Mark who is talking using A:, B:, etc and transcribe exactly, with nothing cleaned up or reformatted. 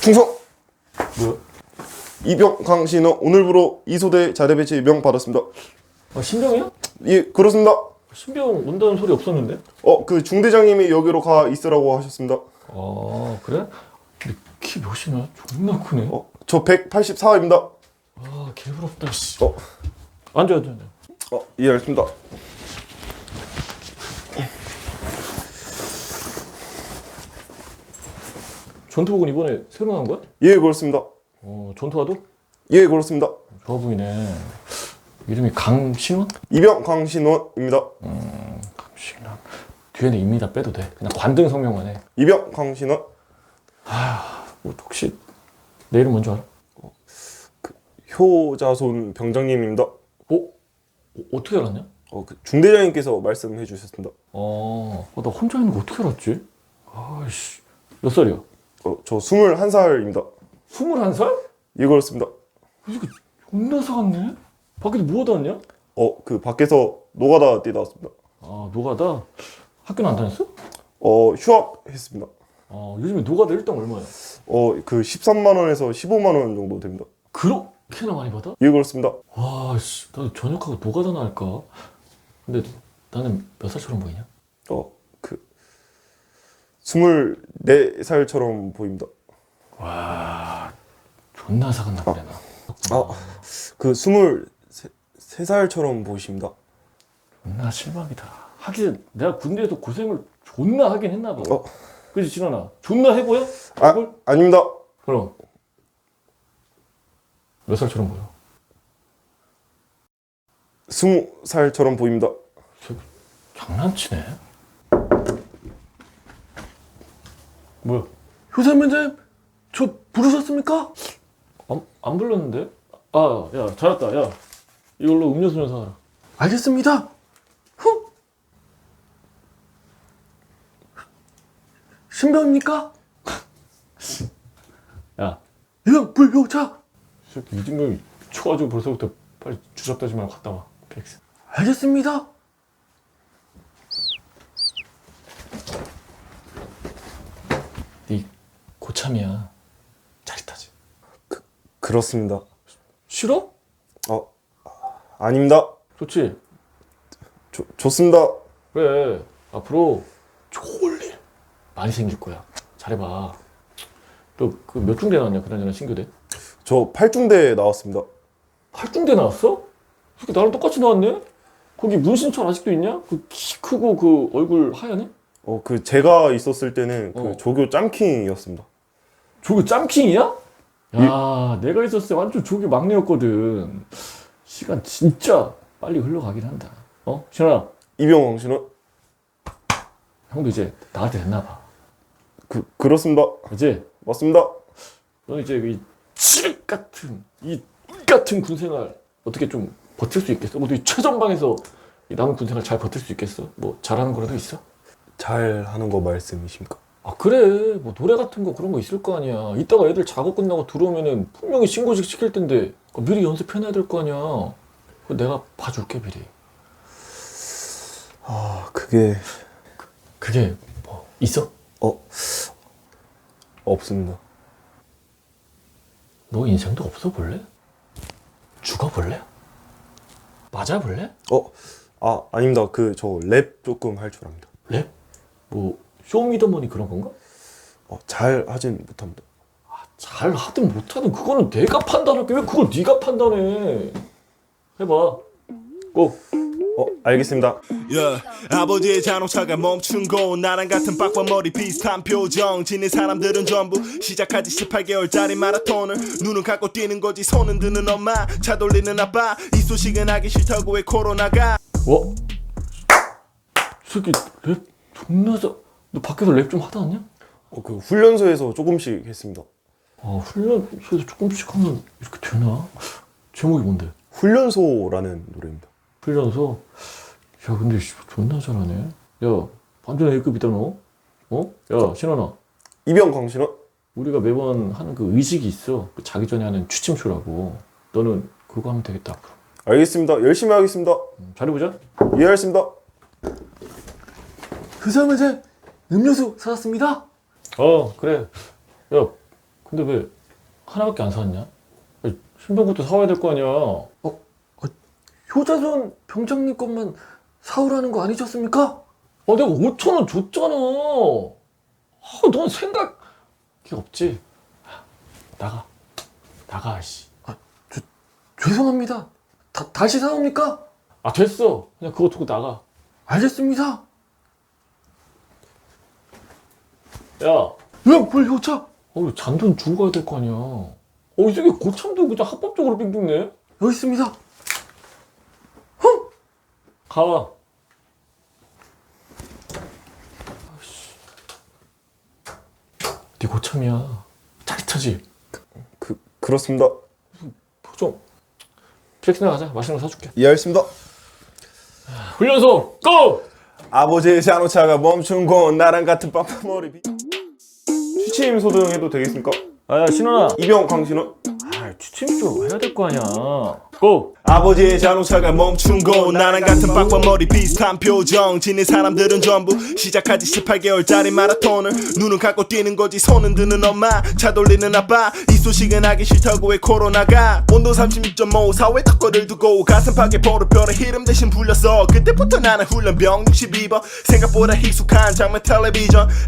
A: 충성!
B: 뭐야?
A: 이병 강신호 오늘부로 이소대 자대 배치 명 받았습니다.
B: 아, 신병이야?
A: 예, 그렇습니다.
B: 신병 온다는 소리 없었는데?
A: 어, 그 중대장님이 여기로 가 있으라고 하셨습니다.
B: 아, 그래? 근데 키 몇이나? 존나 크네.
A: 어, 저 백팔십사입니다.
B: 아, 개부럽다, 씨.
A: 어,
B: 앉아, 앉아, 앉아.
A: 어, 예, 알겠습니다.
B: 전투복은 이번에 새로 나온 거야?
A: 예, 그렇습니다.
B: 어, 전투화도?
A: 예, 그렇습니다.
B: 좋아 보이네. 이름이 강신원?
A: 이병 강신호입니다.
B: 음, 강신원. 뒤에는 입니다 빼도 돼. 그냥 관등 성명만 해.
A: 이병 강신호.
B: 뭐, 혹시 내 이름 뭔지 알아?
A: 효자손 병장님입니다.
B: 어? 어, 어떻게 알았냐?
A: 어, 그 중대장님께서 말씀해 주셨습니다.
B: 어, 어, 나 혼자 있는 거 어떻게 알았지? 아이씨. 몇 살이야?
A: 어, 저 스물한 살입니다.
B: 스물한 살?
A: 예, 그렇습니다.
B: 이거 존나 사갔네? 밖에서 뭐 하다 왔냐?
A: 어, 그 밖에서 노가다 뛰다 왔습니다.
B: 아, 노가다? 학교는 안 다녔어?
A: 어, 휴학했습니다.
B: 아, 요즘에 노가다 일당 얼마야?
A: 어, 그 십삼만 원에서 십오만 원 정도 됩니다.
B: 그렇게나 많이 받아?
A: 예, 그렇습니다.
B: 와, 씨, 나도 전역하고 노가다나 할까? 근데 나는 몇 살처럼 보이냐?
A: 어, 그 스물네 살처럼 보입니다.
B: 와, 존나 사갔나 보네, 나.
A: 아, 그 스물세 살처럼 보이십니다.
B: 존나 실망이다. 하긴 내가 군대에서 고생을 존나 하긴 했나 봐.
A: 어.
B: 그치, 진원아? 존나 해보여?
A: 아,
B: 얼굴?
A: 아닙니다.
B: 그럼 몇 살처럼 보여?
A: 스무 살처럼 보입니다.
B: 장난치네. 뭐야? 효선면장 저 부르셨습니까? 안, 안 불렀는데? 아, 야, 잘했다. 야, 이걸로 음료수 좀 사와라. 알겠습니다. 흠. 신병입니까? 야, 이병 불효자. 새끼 이진경이 쳐가지고 벌써부터 빨리 주접다지 말고 갔다 와. 팩스. 알겠습니다. 네 고참이야. 짜릿하지?
A: 그, 그렇습니다.
B: 싫어?
A: 어, 아닙니다.
B: 좋지?
A: 조, 좋습니다.
B: 그래. 앞으로 좋을 일 많이 생길 거야. 잘해봐. 너 그 몇 중대 나왔냐? 그나저나 신교대?
A: 저 팔중대 나왔습니다.
B: 팔중대 나왔어? 이렇게 나랑 똑같이 나왔네? 거기 문신철 아직도 있냐? 그 키 크고 그 얼굴 하얗네?
A: 어, 그 제가 있었을 때는 그
B: 어.
A: 조교 짬킹이었습니다.
B: 조교 짬킹이야? 야, 내가 있었을 때 완전 조교 막내였거든. 시간 진짜 빨리 흘러가긴 한다. 어? 신원아,
A: 이병 강신호.
B: 형도 이제 나한테 됐나 봐.
A: 그 그렇습니다.
B: 그치?
A: 맞습니다.
B: 너는 이제 이 칠흑 같은 이 같은 군생활 어떻게 좀 버틸 수 있겠어? 모두 이 최전방에서 이 남은 군생활 잘 버틸 수 있겠어? 뭐 잘하는 거라도 있어?
A: 잘 하는 거 말씀이십니까?
B: 아, 그래. 뭐 노래 같은 거 그런 거 있을 거 아니야. 이따가 애들 작업 끝나고 들어오면은 분명히 신고식 시킬 텐데 그거 미리 연습해놔야 될 거 아니야. 그거 내가 봐줄게 미리.
A: 아, 그게
B: 그게 뭐 있어?
A: 어 없습니다.
B: 너 인생도 없어 볼래? 죽어 볼래? 맞아 볼래?
A: 어, 아, 아닙니다. 그 저 랩 조금 할 줄 압니다.
B: 랩? 뭐 쇼미더머니 그런 건가?
A: 어, 잘 하진 못합니다.
B: 잘 하든 못하든 그거는 내가 판단할게. 왜 그걸 네가 판단해? 해봐. 고.
A: 어, 알겠습니다.
C: Yeah. 아버지의 자동차가 멈춘 곳 나랑 같은 빡빡 머리 비슷한 표정 지닌 사람들은 전부 시작하지 십팔 개월짜리 마라톤을 눈은 감고 뛰는 거지 손은 드는 엄마 차 돌리는 아빠 이 소식은 하기 싫다고 해 코로나가
B: 와. 이 새끼 랩 존나 잘. 너 밖에서 랩 좀 하다 왔냐?
A: 어, 그 훈련소에서 조금씩 했습니다.
B: 아, 훈련소에서 조금씩 하면 이렇게 되나? 제목이 뭔데?
A: 훈련소라는 노래입니다.
B: 훈련소? 야, 근데 씨, 존나 잘하네. 야, 완전 A급이다 너. 어? 야, 신원아.
A: 이병 강신호.
B: 우리가 매번 하는 그 의식이 있어. 그 자기 전에 하는 취침쇼라고. 너는 그거 하면 되겠다 앞으로.
A: 알겠습니다. 열심히 하겠습니다.
B: 음, 잘해보자.
A: 이해하겠습니다.
B: 그 사람한테 음료수 사왔습니다. 어, 그래. 야, 근데 왜 하나밖에 안 사왔냐? 아니, 신병부터 사와야 될 거 아니야. 어, 어, 효자손 병장님 것만 사오라는 거 아니셨습니까? 아, 내가 오천 원 줬잖아. 아, 넌 생각이 없지. 아, 나가, 나가, 씨. 아, 저, 죄송합니다. 다, 다시 사옵니까? 아, 됐어. 그냥 그거 두고 나가. 알겠습니다. 야, 왜, 뭘 효자? 어, 잔돈 주고 가야 될 거 아니야. 어, 이 새끼 고참도 그냥 합법적으로 빙빙네? 여기 있습니다. 흠! 가. 아이씨. 네 고참이야. 짜릿하지?
A: 그 그렇습니다.
B: 좀. 플렉스나 가자. 맛있는 거 사줄게.
A: 이해했습니다.
B: 훈련소, 고!
A: 아버지의 자동차가 멈춘 곳 나랑 같은 빠빠머리 비... 취침 소등해도 되겠습니까?
B: 아, 야, 신원아.
A: 이병 강신호.
B: 아, 취침 좀 해야 될 거 아니야. 고!
C: 아버지의 자동차가 멈춘 곳 나랑 같은 빡빡머리 비슷한 표정 지닌 사람들은 전부 시작하지 십팔 개월짜리 마라톤을 눈은 감고 뛰는 거지 손은 드는 엄마 차 돌리는 아빠 이 소식은 하기 싫다고 왜 코로나가 온도 삼십육 점 오 사회 턱걸을 두고 가슴팍에 보르표를 히름 대신 불렸어 그때부터 나는 훈련병 육십이 번 생각보다 익숙한 장면 텔레비전